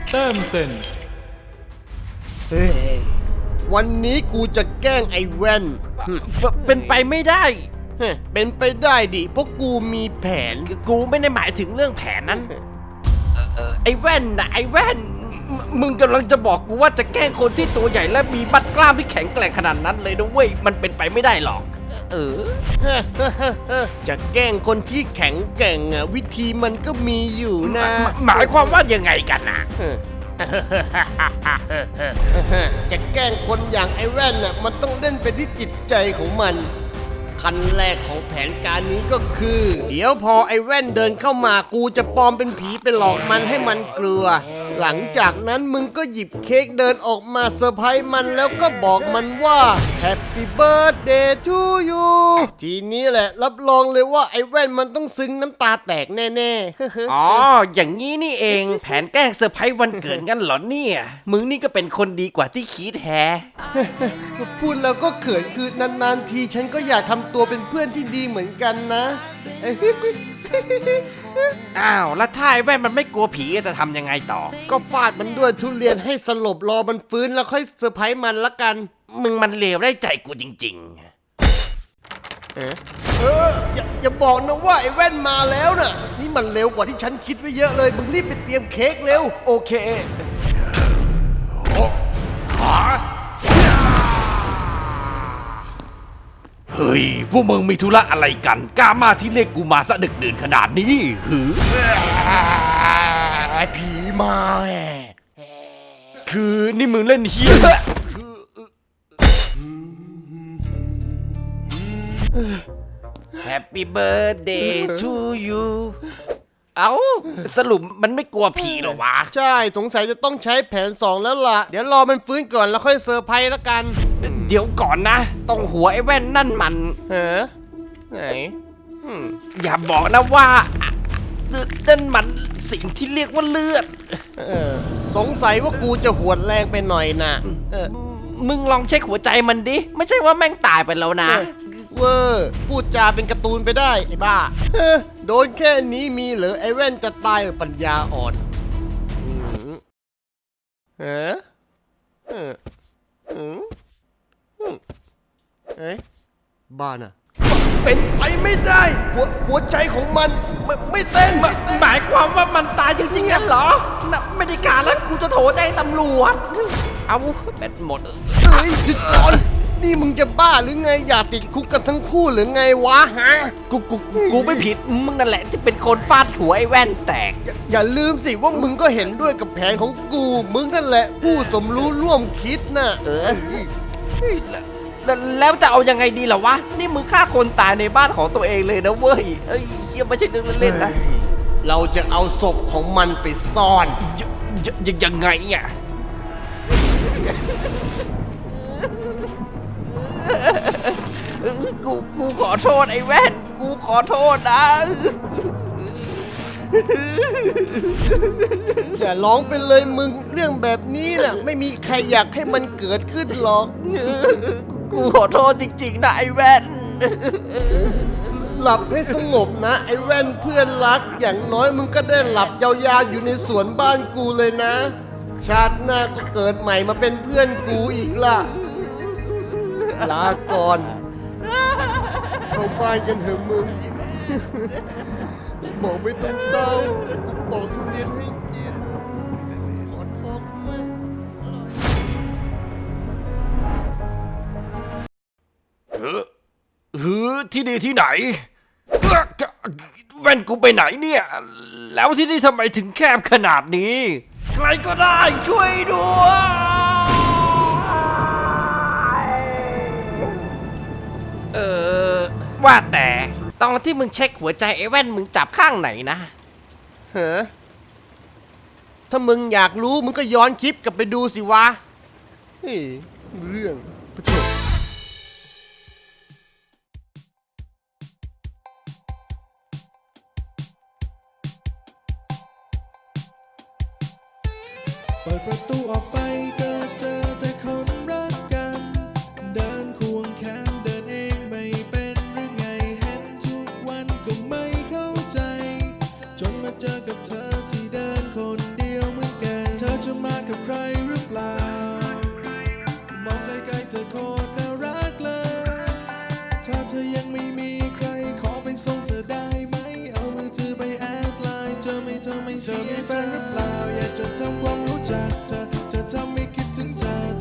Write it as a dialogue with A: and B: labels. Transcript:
A: แต้มเซ็น
B: เฮ้ยวันนี้กูจะแกล้งไอ้แว่น
C: เป็นไปไม่ได้
B: เป็นไปได้ดิเพราะกูมีแผน
C: กูไม่ได้หมายถึงเรื่องแผนนั้นไอ้แว่นนะไอ้แว่นมึงกำลังจะบอกกูว่าจะแกล้งคนที่ตัวใหญ่และมีบัดกล้ามที่แข็งแกร่งขนาดนั้นเลยนะเว้ยมันเป็นไปไม่ได้หรอก
B: จะแกล้งคนที่แข็งแกร่งอ่ะวิธีมันก็มีอยู่นะ
C: หมายความว่ายังไงกันนะ
B: จะแกล้งคนอย่างไอ้แว่นน่ะมันต้องเล่นไปที่จิตใจของมันขั้นแรกของแผนการนี้ก็คือ เดี๋ยวพอไอ้แว่นเดินเข้ามากูจะปลอมเป็นผีไปหลอกมันให้มันกลัวหลังจากนั้นมึงก็หยิบเค้กเดินออกมาเซอร์ไพรส์มันแล้วก็บอกมันว่า Happy Birthday to you ทีนี้แหละรับรองเลยว่าไอ้แว่นมันต้องซึ้งน้ำตาแตกแน่ๆ
C: อ๋ออย่างนี้นี่เองแผนแกล้งเซอร์ไพรส์วันเกิดกันเหรอเนี่ยมึงนี่ก็เป็นคนดีกว่าที่คิดแฮะ
B: พูดแล้วก็เขินคือนานๆทีฉันก็อยากทำตัวเป็นเพื่อนที่ดีเหมือนกันนะ
C: อ้าวแล้วถ้าไอ้แว่นมันไม่กลัวผีจะทำยังไงต่อ
B: ก็ฟาดมันด้วยทุเรียนให้สลบรอมันฟื้นแล้วค่อยเซอร์ไพรส์มันละกัน
C: มึงมันเลวได้ใจกูจริง
B: อย่าบอกนะว่าไอ้แว่นมาแล้วน่ะนี่มันเร็วกว่าที่ฉันคิดไว้เยอะเลยมึงรีบไปเตรียมเค้กเร็ว
C: ๆ โอเคเฮ้ยพวกมึงมีธุระอะไรกันกล้ามาที่เรียกกูมาซะดึกดื่นขนาดนี้หือ
B: ผีมาแห
C: คือนี่มึงเล่นเฮียHappy birthday to you เอ้าสรุปมันไม่กลัวผีหรอวะ
B: ใช่สงสัยจะต้องใช้แผน2แล้วล่ะเดี๋ยวรอมันฟื้นก่อนแล้วค่อยเซอร์ไพรส์ละกัน
C: เดี๋ยวก่อนนะตรงหัวไอ้แว่นนั่นมัน
B: ไหน
C: อย่าบอกนะว่านั่นมันสิ่งที่เรียกว่าเลือด
B: สงสัยว่ากูจะหวดแรงไปหน่อยนะ
C: มึงลองเช็คหัวใจมันดิ ไม่ใช่ว่าแม่งตายไปแล้วนะ
B: เวอร์พูดจาเป็นการ์ตูนไปได้ไอ้บ้าโดนแค่นี้มีเหรอไอ้แว่นจะตายปัญญาอ่อนเอ๊ะบ้าน่ะเป็นไปไม่ได้หัวใจของมันไม่เต้น
C: หมายความว่ามันตายจริงๆงั้นเหรอน่ะไม่ได้การแล้วกูจะโทรแจ้งตำรวจ เอาแบตหมด
B: หยุดก่อนนี่มึงจะบ้าหรือไงอยากติดคุกกันทั้งคู่หรือไงวะฮะ
C: กูไม่ผิดมึงนั่นแหละที่เป็นคนฟาดหัวไอ้แว่นแตก
B: อย่าลืมสิว่ามึงก็เห็นด้วยกับแผนของกูมึงนั่นแหละผู้สมรู้ร่วมคิดน่ะ
C: แล้วจะเอายังไงดีล่ะวะนี่มึงฆ่าคนตายในบ้านของตัวเองเลยนะเว้ยเอ้ยเฮียไม่ใช่เรื่องเล่นๆนะ
B: เราจะเอาศพของมันไปซ่อน
C: ยังไงอ่ะกูขอโทษไอ้แว่นกูขอโทษนะ
B: อย่าร้องไปเลยมึงเรื่องแบบนี้น่ะไม่มีใครอยากให้มันเกิดขึ้นหรอก
C: กูขอโทษจริงๆนะไอ้แว่น
B: หลับให้สงบนะไอ้แว่นเพื่อนรักอย่างน้อยมึงก็ได้หลับยาวๆอยู่ในสวนบ้านกูเลยนะชาติหน้าก็เกิดใหม่มาเป็นเพื่อนกูอีกล่ะลาก่อนเข้าบ้านกันเถอะมึงบอกไม่ต้องเศร้าบอกทุเรียนให้กินหมอนทองด้วย
C: ที่นี่ที่ไหนแว่นกูไปไหนเนี่ยแล้วที่นี่ทำไมถึงแคบขนาดนี้ใครก็ได้ช่วยด้วยว่าแต่ตอนที่มึงเช็คหัวใจไอ้แว่นมึงจับข้างไหนนะ
B: ถ้ามึงอยากรู้มึงก็ย้อนคลิปกลับไปดูสิวะเฮ้ยเรื่องพระเจ้า
D: เปิดประตูออกไปก็เจอแต่คนรักกันเดินควงแขนเดินเองไม่เป็นหรือไงเห็นทุกวันก็ไม่เข้าใจจนมาเจอกับเธอที่เดินคนเดียวเหมือนกันเธอจะไม่เธอมีแฟนหรือเปล่าอยากจะทำความรู้จักเธอเธอทำให้คิดถึงเธอ